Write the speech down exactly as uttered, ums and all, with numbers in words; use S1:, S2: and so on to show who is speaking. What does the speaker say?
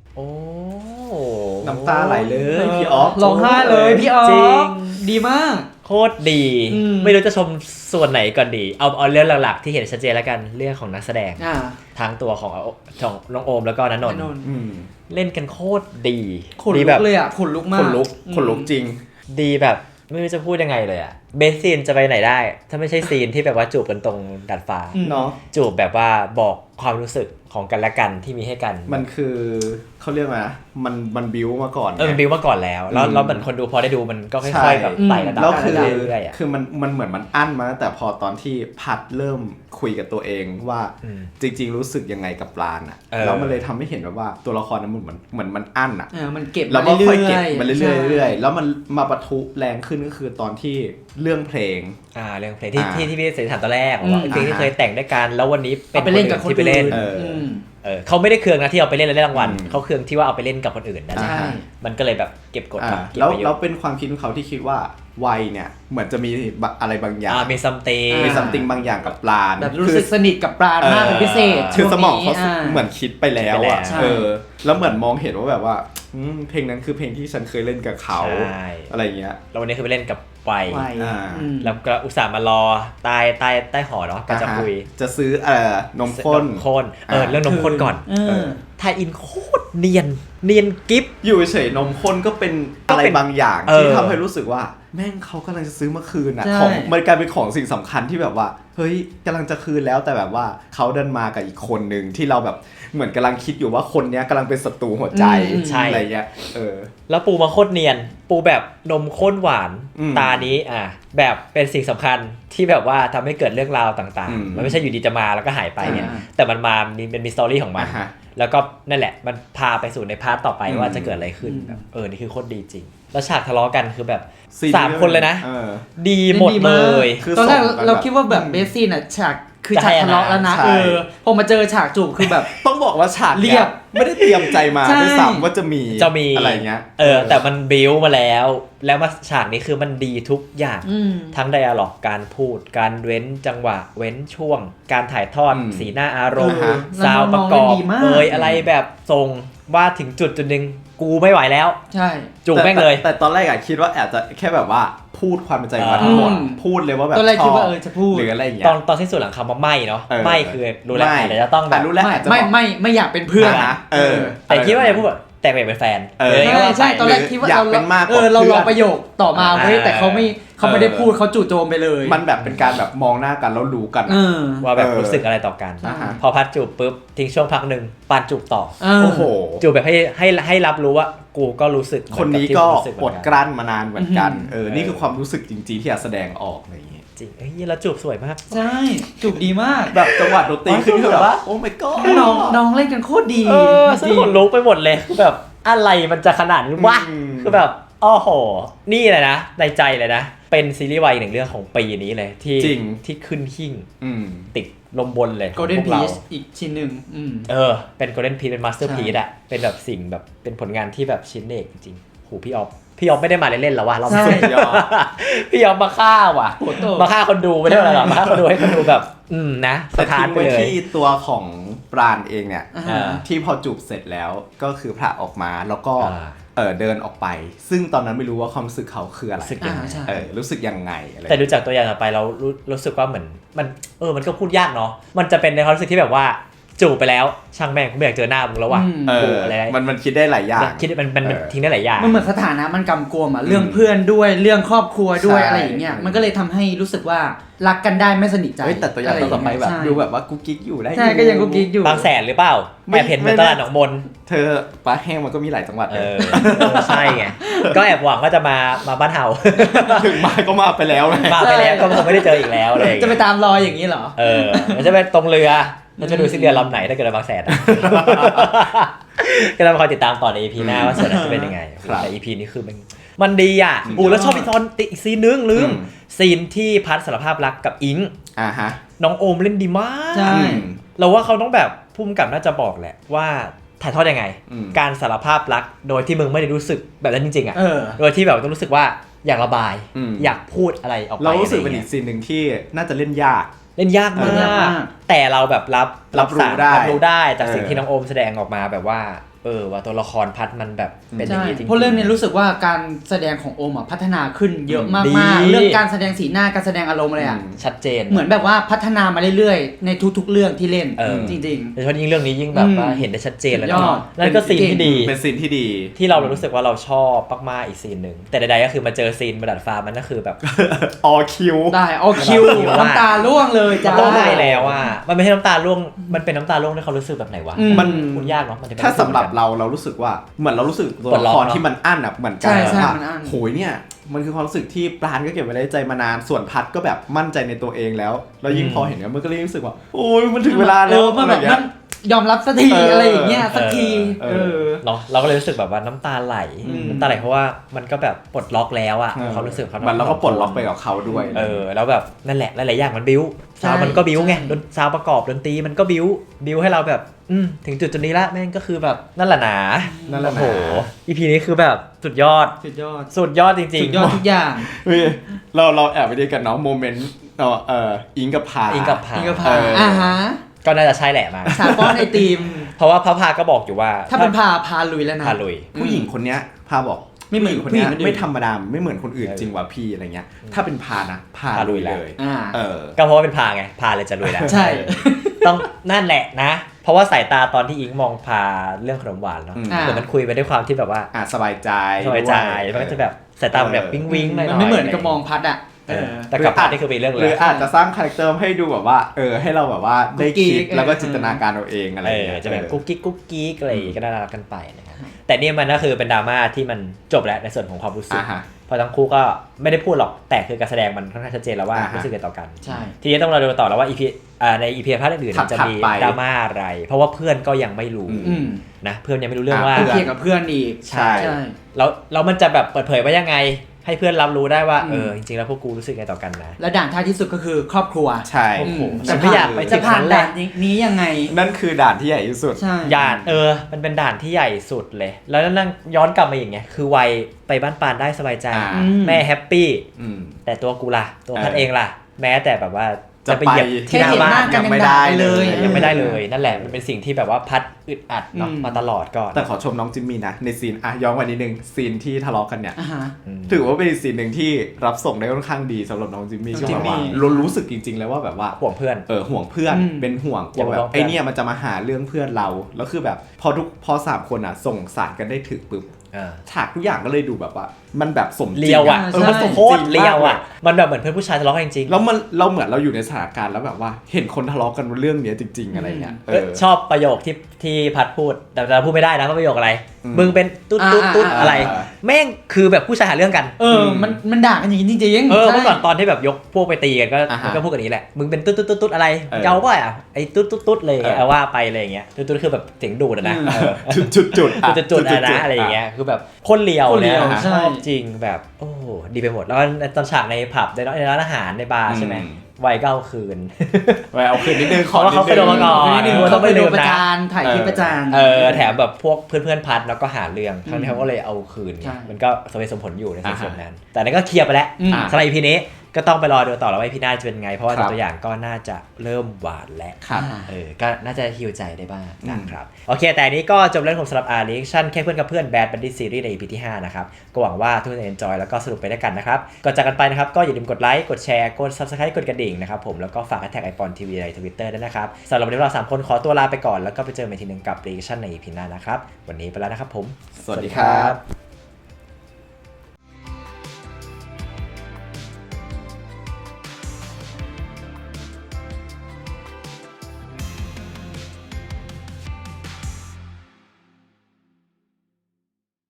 S1: โอ้
S2: น้ำตาไหลเลยพี่ออฟ
S3: ร้องไห้เลยพี่ออฟ
S1: จริง
S3: ดีมาก
S1: โคตรดีไม่รู้จะชมส่วนไหนก่อนดีเอาเอาเรื่องหลักๆที่เห็นชัดเจนแล้วกันเรื่องของนักแสดงทั้งตัวของของน้องโอมแล้วก็ณนนท์เล่นกันโคตรดี
S3: ขนลุกเลยอ่ะขนลุกมาก
S2: ขนลุกขนลุกจริง
S1: ดีแบบไม่รู้จะพูดยังไงเลยอะเบสซีนจะไปไหนได้ถ้าไม่ใช่ซีนที่แบบว่าจูบกันตรงดาดฟ้า
S2: เนาะ
S1: จูบแบบว่าบอกความรู้สึกของกันและกันที่มีให้กัน
S2: มันคือเขาเรียกว่ามันมันบิวมาก่อน
S1: เออมันบิวมาก่อนแล้วแล้วแล้วเหมือนคนดูพอได้ดูมันก็ค่อยๆแบบไต่ระดับ
S2: แล้วคือ
S1: เรื่อยๆ
S2: คือมันมันเหมือนมันอั้นมาแต่พอตอนที่พัดเริ่มคุยกับตัวเองว่าจริงๆรู้สึกยังไงกับปราณอ่ะแล้วมันเลยทำให้เห็นว่าตัวละครนั้นมันเหมือนเหมือนมันอั้นอ่ะ
S3: เออมันเก็บ
S2: แล้วก็ค่อยเก็บมันเรื่อยๆเรื่อยๆแล้วมันมาปะทุแรงขึ้นก็คือตอนที่เรื่องเพลง
S1: อ่าเรื่องเพลงที่ที่ที่พี่เสรีถามตอนแรกว่าเพลงที่เคยแต่งด้วยกันแล้ววันนี้เป็น
S3: ไปเล่นกับคน
S1: ที่ไปเล่น
S3: เอ
S1: อเออเขาไม่ได้เคืองนะที่เอาไปเล่นแล้วได้รางวัลเขาเคืองที่ว่าเอาไปเล่นกับคนอื่นนั่นแหละมันก็เลยแบบเก็บกดเก็บ
S2: แล้ว
S1: ไปเยอะ
S2: แล้วเป็นความคิดของเขาที่คิดว่าวัยเนี่ยเหมือนจะมีอะไรบางอย่าง
S1: มีซัมติง
S2: มีซัมติงบางอย่างกับปราณ
S3: แบบรู้สึกสนิทกับปราณมากเป็นพิเศษ
S2: คือสมองเขาเหมือนคิดไปแล้วอ่ะเออแล้วเหมือนมองเห็นว่าแบบว่าเพลงนั้นคือเพลงที่ฉันเคยเล่นกับเขาอะไรเงี้ย
S1: แล้ววันนี้คือไปเล่นกับไวแล้วก็อุตส่าห์มารอใต้ใต้ใต้หอเนาะก็จะคุย
S2: จะซื้อเอ่อนมข้น
S1: ข้นเออเรื่องนมข้นก่อนไทยอินโคตรเนียนเนียนกิ๊บ
S2: อยู่เฉยนมข้นก็เป็นอะไรบางอย่างที่ทำให้รู้สึกว่าแม่งเขากำลังจะซื้อมาคืนอ่ะของมันกลายเป็นของสิ่งสำคัญที่แบบว่าเฮ้ยกำลังจะคืนแล้วแต่แบบว่าเขาเดินมากับอีกคนนึงที่เราแบบเหมือนกำลังคิดอยู่ว่าคนนี้กำลังเป็นศัตรูหัวใจอะไรเงี้ยเออ
S1: แล้วปูมาโคตรเนียนปูแบบนมข้นหวานตานี้อ่ะแบบเป็นสิ่งสำคัญที่แบบว่าทำให้เกิดเรื่องราวต่างๆมันไม่ใช่อยู่ดีจะมาแล้วก็หายไปเนี่ยแต่มันมามีเป็นมีสตอรี่ของมันแล้วก็นั่นแหละมันพาไปสู่ในพาร์ทต่อไปว่าจะเกิดอะไรขึ้นแบบเออนี่คือโคตรดีจริงแล้วฉากทะเลาะกันคือแบบสามคนเลยนะดีหมดเลย
S3: ตอนแรกเราคิดว่าแบบเบสซี่น่ะฉากคือฉากทะเลาะแล้วนะเออพอมาเจอฉากจูบคือแบบ
S2: ต้องบอกว่าฉากเรียบไม่ได้เตรียมใจมาด้วยซ้ำว่าจะมี
S1: จะมี
S2: อะไรเงี้ย
S1: เออแต่มันบิวมาแล้วแล้วมาฉากนี้คือมันดีทุกอย่างทั้งไดอะล็อกการพูดการเว้นจังหวะเว้นช่วงการถ่ายทอดสีหน้าอารมณ์ซาวประกอบเอยอะไรแบบทรงว่าถึงจุดจุดนึงกูไม่ไหวแล้ว
S3: ใช่
S1: จูบแม่งเลย
S2: แต่ตอนแรกอะคิดว่าอาจจะแค่แบบว่าพูดความเป็นใจมาทั้งหมดพูดเลยว่าแบบ
S3: ตอนแรกคิดว่าเออจะพูด
S2: หรืออะไรอย่างเงี้ย
S1: ตอนตอนที่สุดหลังคำว่าไม่เนาะไม่คือรู้แล้วแต่จะต้องแบบ
S3: ไม่ไม่ไม่อยากเป็นเพื่อนนะ
S2: เออ
S1: แต่คิดว่าจะพูดแต่ไม่เป็นแฟน
S3: เออใช่ตอนแรกคิดว่าเราเออเรารอประโยคต่อมาเฮ้ยแต่เขาไม่เขาไม่ได้พูดเขาจู่โจมไปเลย
S2: มันแบบเป็นการแบบมองหน้ากันแล้วรู้กัน
S1: ว่าแบบรู้สึกอะไรต่อกันพอพัดจูบปุ๊บทิ้งช่วงพักนึงปานจูบต่อ
S2: โอ้โห
S1: จูบแบบให้ให้ให้รับรู้ว่ากูก็รู้สึก
S2: คนนี้ก็อดกลั้นมานานเหมือนกันเออนี่คือความรู้สึกจริงๆที่อยากแสดงออกอะไรอย่างเงี้ย
S1: จริงเฮ้ยแล้วจูบสวยมาก
S3: ใช่จูบดีมาก
S2: แบบจังหวะดนตรีขึ้นคือแบบว่าโอ้ my god
S3: น้องน้องเล่นกันโคตรดี
S1: เออซึ่งคนลุกไปหมดเลยคือแบบอะไรมันจะขนาดนี้วะคือแบบอ้อโหนี่เลยนะในใจเลยนะเป็นซีรีส์วายอีกหนึ่งเรื่องของปีนี้เลยที่ที่ขึ้นหิ้งติดลมบนเลย
S3: ของพวกเราอีกชิ้นหนึ่ง
S1: เออเป็น Golden Piece เป็น Masterpiece อะเป็นแบบสิ่งแบบเป็นผลงานที่แบบชิ้นเอกจริงๆโหพี่ออฟพี่ออฟไม่ได้มาเล่นๆแล้วว่ะเราไม่พี่ออฟพี่ออฟมาฆ่าว่ะมาฆ่าคนดูไม่ได้อะไรหรอกมาฆ่าคนดูให้คนดูแบบอืมนะสถานไปเลย
S2: ที่ตัวของปราณเองเนี่ยที่พอจูบเสร็จแล้วก็คือผละออกมาแล้วก็เออเดินออกไปซึ่งตอนนั้นไม่รู้ว่าความรู้สึกเขาคืออะไรเออรู้สึกยังไงอะไร
S1: แต่ดูจากตัวอย่างต่อไปเรารู้รู้สึกว่าเหมือนมันเออมันก็พูดยากเนาะมันจะเป็นในความรู้สึกที่แบบว่าจูบไปแล้วช่างแม่งกูไม่อยากเจอหน้ามึงแล้วว่ะ
S2: เอออะไรมันมันคิดได้หลายอย่าง
S1: คิดมันมันทิ้งได้หลายอย่าง
S3: มันเหมือนสถานะมันกำกวมอ่ะเรื่องเพื่อนด้วยเรื่องครอบครัวด้วยอะไรอย่างเงี้ยมันก็เลยทำให้รู้สึกว่ารักกันได้ไม่สนิทใจ
S2: แต่ตัวอย่างต่อไปแบบดูแบบว่ากุ๊กกิ๊กอยู่ได้
S3: ใช่ก็ยังกุ๊กกิ๊กอยู่
S1: บางแสนหรือเปล่าแอบเห็นเหมือนตลาดหนองมน
S2: เธอปลาแห้งมันก็มีหลายจังหวัด
S1: เออใช่ไงก็แอบหวังว่าจะมามาบ้านเฮา
S2: ถึงมาก็มาไปแล้ว
S1: มาไปแล้วก็คงไม่ได้เจออีกแล้วเลย
S3: จะไปตามรอยอย่างนี้เหรอ
S1: เออมันจะไปตรงเรือมันจะดูสิเรือลำไหนถ้าเกิดบางแสนก็ต้องคอยติดตามต่อใน อี พี หน้าว่าส่วนนั้นจะเป็นยังไงแต่ อี พี นี้คือมันมันดีอ่ะอูแล้วชอบอีกตอนอีกซีนนึงลืมซีนที่พัดสารภาพรักกับอิง
S2: อ่าฮะ
S1: น้องโอมเล่นดีมาก
S3: ใช่
S1: เราว่าเขาต้องแบบพุ่มกับน่าจะบอกแหละว่าถ่ายทอดยังไงการสารภาพรักโดยที่มึงไม่ได้รู้สึกแบบนั้นจริงๆอ่ะโดยที่แบบต้องรู้สึกว่าอยากระบายอยากพูดอะไรออกไป
S2: เรารู้สึกเป็นอีกซีนนึงที่น่าจะเล่นยาก
S1: เล่นยากมากแต่เราแบบรับ
S2: รับรู้ได้
S1: รับรู้ได้จากสิ่งที่น้องโอมแสดงออกมาแบบว่าเออว่าตัวละครพัดมันแบบเป็นอย่าง
S3: ใช่
S1: นี้จริงๆ
S3: เพราะเรื่องนี้รู้สึกว่าการแสดงของโอมอ่ะพัฒนาขึ้นเยอะ
S1: ดี
S3: มากๆเรื่องการแสดงสีหน้าการแสดงอารมณ์อะไรอ่ะ
S1: ชัดเจน
S3: เหมือนแบบว่าพัฒนามาเรื่อยๆในทุกๆเรื่องที่เล่น
S1: เออ
S3: จริง
S1: โดยเฉพาะยิ่งเรื่องนี้ยิ่งแบบว่า
S3: อืม
S1: เห็นได้ชัดเจนเลย
S3: สุดยอด
S1: นั่นก็ซีนที่ดี
S2: เป็นซีนที่ดี
S1: ที่เรารู้สึกว่าเราชอบมากๆอีกซีนหนึ่งแต่ใดๆก็คือมาเจอซีนบนดาดฟ้ามันก็คือแบบ
S2: ออคิว
S3: ๆ ได้เอาคิว
S1: คิวอะ
S3: น้ำตาร่วงเลยจ้า
S1: ร้องไห้แล้วอ่ะมันไม่ใช่น้ำตาร่วงมันเป็นน้ำตาร่วงที่เขารู้สึกแบบไหนวะ
S3: อืม
S2: มัน
S1: พูดยากเนาะมันจะ
S2: ถ้าสำหรับเราเรารู้สึกว่าเหมือนเรารู้สึกตัวละครที่มันอั้นอ่ะเหมือนกั
S3: ใช่ใช่
S2: ว่า
S3: มันอั้น
S2: โหยเนี่ยมันคือความรู้สึกที่ปราณก็เก็บไว้ในใจมานานส่วนพัดก็แบบมั่นใจในตัวเองแล้วแล้วยิ่งพอเห็นเนี่ยมันก็เลยรู้สึกว่าโอ้ยมันถึงเวลาแล้ว
S3: ออมันแบบ
S2: อะไรเงี้
S3: มั
S2: ย
S3: นยอมรับสักที
S2: เอออ
S3: อะไรอย่างเงี้ยสักที
S2: เอ
S3: เอ
S2: อ
S3: อ
S1: เนาะเราก็เลยรู้สึกแบบว่าน้ำตาไหล
S3: อืม
S1: น้ำตาไหลเพราะว่ามันก็แบบปลดล็อกแล้วอ่ะเขารู้สึกเขา
S2: มันเราก็ปลดล็อกไปกับเขาด้วย
S1: เออแล้วแบบนั่นแหละหลายๆอย่างมันบิ้ว
S3: ใช่
S1: ซาวมันก็บิ้วไง
S3: ใช่
S1: ดนซาวประกอบดนตรีมันก็บิ้วบิ้วให้เราแบบอืมถึงจุดจุดนี้ละแม่งก็คือแบบนั่นแหละหนา
S2: นั่นแหละ
S1: โอ้โห
S2: หนา
S1: อีพีนี้คือแบบสุดยอด
S3: สุดยอด
S1: สุดยอดจริง
S3: สุดยอดทุกอย่าง
S2: เฮ้ยเราเราแอบไปดีกันเนาะโมเมนต์เออเอออิงกับพา
S1: อิงกับพา
S3: นี่ก็พา
S2: เอออ่
S3: อ่าฮะ
S1: ก็น่าจะใช่แหละมา
S3: สาป้อนไอติม
S1: เพราะว่าพระพาก็บอกอยู่ว่า
S3: ถ้าเป็นพาพาลุยแล้วนะ
S1: พาลุย
S2: ผู้หญิงคนเนี้ยพาบอก
S3: ไม่เหมือน
S2: ผู้หญิงคนเนี้ย
S3: ผู้หญิงคนอื่น
S2: ไม่ธรรมดาไม่เหมือนคนอื่น
S1: เออ
S2: จริงว่ะพี่อะไรเงี้ยถ้าเป็นพานะพา
S1: พาลุ
S2: ลุ
S1: ย
S2: ย
S1: แล้ว
S2: เลย
S3: อ่า
S2: เออ
S1: ก็เพราะว่าเป็นพาไงพาเลยจะลุยแล้ว
S3: ใช่
S1: ต้องนั่นแหละนะ เพราะว่าสายตาตอนที่อิงมองพาเรื่องขนมหวานเนาะ
S2: อืม
S1: เหมือนมันคุยไปด้วยความที่แบบว่า
S2: อ่ะสบายใจ
S1: สบายใจ
S2: ด้วย
S1: มันก็จะแบบสายตามันแบบวิ้งวิ้งๆหน่อยๆ
S3: มันไม่เหมือนกับมองพัดอ่ะ
S1: เออแต่กับพานี่คือเป็นเรื่อง
S2: ห
S1: เล
S2: รื
S1: ย
S2: ออาจจะสร้างคาแรคเตอร์ให้ดูแบบว่าเออให้เราแบบว่าได้
S3: กุ๊กกิ๊
S2: คิด
S3: ก
S2: แล้วก็
S3: เออ
S2: จินตนาการเอาเองอะไร
S1: เอ
S2: อย่าง
S1: อ
S2: เงี้ย
S1: จะแบบ
S2: เออ
S1: กุ๊กกิ๊กกุ๊กกิ๊กอะไรอย่างงี้ก็น่ารักกันไปนะครับแต่นี่มันก็คือเป็นดราม่าที่มันจบแล้วในส่วนของความรู้สึก
S2: อ่าฮะ
S1: เพราะทั้งคู่ก็ไม่ได้พูดหรอกแต่คือการแสดงมันค่อนข้างชัดเจนแล้วว่า
S2: อ่าฮะ
S1: รู้สึกกันต่อกัน
S3: ใช่
S1: ทีนี้ต้องเราดูต่อแล้วว่าอีพีอ่าในอีพีภาคอื่นๆ
S2: ถัด
S1: มันจะ
S2: ถัด
S1: มี
S2: ไป
S1: ดราม่าอะไร เพราะว่าเพื่อนก็ยังไม่รู้
S2: อืม
S3: อืม
S1: นะเพื่อนยังไม่รู้เรื่อง
S2: อ่า
S1: ว่า
S3: เทียบกับเพื่อนอีก
S2: ใช่
S3: ใช่
S1: แล้วแล้วมันจะแบบเปิดเผยว่ายังไง ให้เพื่อนรับรู้ได้ว่า
S3: อืม
S1: เออจริงๆแล้วพวกกูรู้สึกไงต่อกันนะ
S3: และด่านท้ายที่สุดก็คือครอบครัว
S2: ใช่
S1: โอ้โห
S3: อืม
S1: ฉันไม่อยากไปถึ
S3: จะ
S1: ง
S3: ผ่าน
S1: นั้นแห
S3: ด่า
S1: ละ
S3: นนี้ยังไง
S2: นั่นคือด่านที่ใหญ่ที่สุด
S3: ใช่
S1: ด่านเออ มันเป็นด่านที่ใหญ่สุดเลย แล้วนั่งย้อนกลับมาอย่างเงี้ย คือวัยไปบ้านปานได้สบายใจ
S2: อ่า
S3: อืม
S1: แม่แฮปปี้
S2: อืม
S1: แต่ตัวกูล่ะ ตัวพัด
S2: เออ
S1: เองล่ะ แม้แต่แบบว่า
S2: จะ
S1: จะไปเหยียบ
S2: ไป
S1: ที่หน้า
S3: แค่เห็น
S1: บ้า
S3: หน้าน กัน
S2: ยัง
S3: ยัง
S2: ไม่
S3: ด่า
S2: ได้
S3: ไปเลย
S2: เลย
S1: ยังไม่ได้เลย นั่นแหละ มันเป็นสิ่งที่แบบว่าพัดอึดอัดเนาะ
S3: อืม
S1: มาตลอดก่อน
S2: แต่ขอชมน้องจิมมี่นะในซีนอ่ะย้อนวันนิดนึงซีนที่ทะเลาะกันเนี่ย
S3: อ่าฮะ
S1: ม
S2: ถือว่าเป็นอีกซีนหนึ่งที่รับส่งได้ค่อนข้างดีสำหรับน้องจิมมี่
S3: น้อง
S2: ที่
S3: จิมมี่
S2: ว่าเรารู้สึกจริงๆเลยว่าแบบว่า
S1: ห่วงเพื่อน
S2: เออห่วงเพื่อน
S3: อืม
S2: เป็นห่วงกลัว
S1: อย่า
S2: แบ
S1: มา
S2: บ
S1: บอกเพื่อน
S2: ไอเนี่ยมันจะมาหาเรื่องเพื่อนเราแล้วคือแบบพอทุกพอสามคนอ่ะส่งสารกันได้ถึกปุ๊บ
S1: อ่า
S2: ฉากทุกอย่างก็เลยดูแบบว่า มันแบบสมจริง
S1: เลียวอ่ะ
S2: เออมันสม
S1: โค
S2: จ
S1: ต
S2: ริ
S1: รง เลียวอ่ะ
S2: มาก
S1: มันแบบเหมือนเพื่อนผู้ชายทะเลาะกันจริงๆ
S2: แล้วมันเราเหมือนเราอยู่ในสถานการณ์แล้วแบบว่าเห็นคนทะเลาะกันเรื่องเนี้ยจริง ๆ อะไรเงี้ย
S1: เอ้ยชอบประโยคที่ที่พัดพูด แต่เราพูดไม่ได้นะว่าประโยคอะไร
S2: อืม
S1: มึงเป็นตุ๊ดตุ๊ดตุ๊ด
S3: อ่า
S1: อะไร
S2: อ่า
S1: แม่งคือแบบผู้ชายหาเรื่องกัน
S3: เออ มันมันด่ากันอย่างนี้จริงๆ
S1: เออ
S3: ใช่
S1: เมื่อก่อนตอนที่แบบยกพวกไปตีกันก็
S2: อ่าฮะ
S1: มันก็พูดกันนี้แหละ มึงเป็นตุ๊ดตุ๊ดตุ๊ดตุ๊ดอะไร
S2: เออ
S1: เจ้าป่ะอ่ะไอ้ตุ๊ดตุ๊ดตุ๊ดเลย
S2: เออ
S1: เอาว่าไปอะไรอย่างเงี้ยตุ๊ดตุ๊ดคือแบบเสียงดูดอะนะ
S3: อืม
S1: เออ
S2: จุดจุดจุด
S1: จุดจุดๆอะนะอะไรอย่างเงี้ยคือแบบคนเลียว
S3: คนเลี
S1: เนี่ย
S3: ยว
S1: ช
S3: ใช่
S1: อบจริงแบบโอ้โหดีไปหมดแล้วก็ตอนฉากในผับในร้านในร้านอาหารในบาร์ใช่ไหมวัยเก้าคืน
S2: ไปเอาคืนนิดนึงข
S1: เพราะว่าเขา
S2: นิดนึง
S1: เคยโดนมาก่อน
S3: นิดนึง
S1: เออ
S3: เขาไปดู
S1: ต้องไปดูนะ
S3: ประจานถ่ายคลิปประจาน
S1: เออแถมแบบพวกเพื่อนๆพัดแล้วก็หาเรื่องทั้งที่เขาก็เลยเอาคืนไง
S3: ใช่
S1: มันก็สมเหตุสมผลอยู่ในส่
S2: อ่าฮะ
S1: วนนั้น แต่นั่นก็เคลียร์ไปแล้ว
S3: อืม
S1: สำหรับ อี พี นี้ก็ต้องไปรอดูต่อแล้วว่า อี พี หน้าจะเป็นไง เพราะว่า
S2: ครับ
S1: ตัวอย่างก็น่าจะเริ่มหวานแล้ว
S2: ครับ
S1: เออก็น่าจะฮิวใจได้บ้าง
S2: อืม
S1: นะครับโอเค แต่อันนี้ก็จบเรื่องของสำหรับ อาร์ Reaction แค่เพื่อนกับเพื่อน Bad Buddy Series ใน อี พี ที่ห้านะครับก็หวังว่าทุกคนจะ enjoy แล้วก็สนุกไปด้วยกันนะครับก่อนจากกันไปนะครับก็อย่าลืมกดไลค์กดแชร์กด Subscribe กดกระดิ่งนะครับผมแล้วก็ฝากแท็กไอปอนทีวีใน Twitter ด้วยนะครับสำหรับวันนี้เราสามคนขอตัวลาไปก่อนแล้วก็ไปเจอกันอีกทีหนึงกับ Reaction ใน อี พี หน้านะครับวันนี้ไปแล้วนะครับผม
S2: สวัสดีครับ